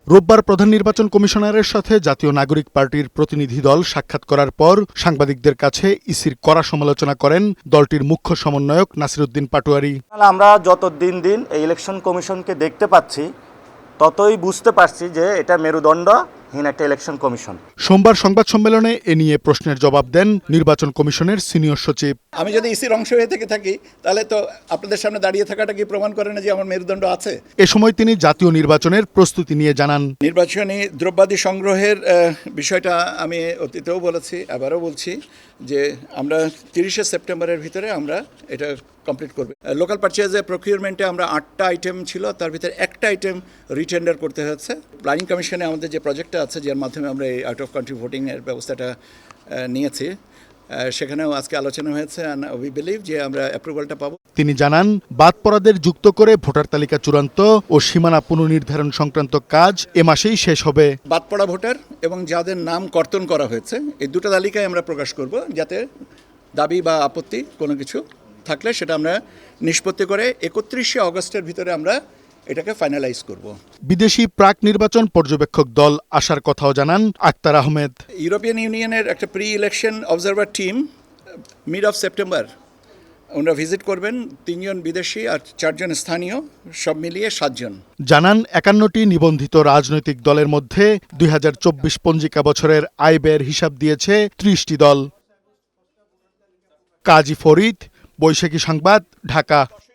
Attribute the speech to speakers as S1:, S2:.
S1: রোববার প্রধান নির্বাচন কমিশনারের সাথে জাতীয় নাগরিক পার্টির প্রতিনিধি দল সাক্ষাৎ করার পর সাংবাদিকদের কাছে ইসির কড়া সমালোচনা করেন দলটির মুখ্য সমন্বয়ক নাসিরউদ্দিন পাটোয়ারী।
S2: আমরা যত দিন দিন এই ইলেকশন কমিশনকে দেখতে পাচ্ছি ততই বুঝতে পারছি যে এটা মেরুদণ্ডহীন একটা ইলেকশন কমিশন।
S1: সোমবার সংবাদ সম্মেলনে এ নিয়ে প্রশ্নের জবাব দেন নির্বাচন কমিশনের সিনিয়র সচিব।
S3: আমি যদি ইসির অংশ হয়ে থেকে থাকি তাহলে তো আপনাদের সামনে দাঁড়িয়ে থাকাটা কি প্রমাণ করে না যে আমার মেরুদণ্ড আছে?
S1: এ সময় তিনি জাতীয় নির্বাচনের প্রস্তুতি নিয়ে জানান,
S3: নির্বাচনী দ্রব্যাদি সংগ্রহের বিষয়টা আমি অতীতেও বলেছি, আবারও বলছি যে আমরা 30শে সেপ্টেম্বরের ভিতরে আমরা এটা কমপ্লিট করব। লোকাল পারচেজে প্রকিউরমেন্টে আমরা 8টা আইটেম ছিল, তার ভিতরে একটা আইটেম রিটেন্ডার করতে হচ্ছে। প্ল্যানিং কমিশনে আমাদের যে প্রজেক্টটা আছে যার মাধ্যমে আমরা এই আউট অফ কান্ট্রি ভোটিংয়ের ব্যবস্থাটা নিয়েছি, সেখানেও আজকে আলোচনা হয়েছে। উই বিলিভ যে আমরা অ্যাপ্রুভালটা পাবো।
S1: তিনি জানান, বাদ পড়াদের যুক্ত করে ভোটার তালিকা চূড়ান্ত ও সীমানা পুনর্নির্ধারণ সংক্রান্ত কাজ এ মাসেই শেষ হবে।
S3: বাদ পড়া ভোটার এবং যাদের নাম কর্তন করা হয়েছে এই দুটো তালিকায় আমরা প্রকাশ করব, যাতে দাবি বা আপত্তি কোনো কিছু থাকলে সেটা আমরা নিষ্পত্তি করে 31শে অগস্টের ভিতরে আমরা এটাকে ফাইনালাইজ করব।
S1: বিদেশি প্রাক নির্বাচন পর্যবেক্ষক দল আসার কথাও জানান আক্তার আহমেদ।
S3: ইউরোপিয়ান ইউনিয়নের একটা pre election observer team mid of September ওনারা ভিজিট করবেন। 3 জন বিদেশি আর 4 জন স্থানীয়, সব মিলিয়ে 7 জন।
S1: জানান 51টি নিবন্ধিত রাজনৈতিক দলের মধ্যে 2024 পঞ্জিকা বছরের আয় ব্যয়ের হিসাব দিয়েছে 30টি দল। কাজী ফরিদ, বৈশাখী সংবাদ, ঢাকা।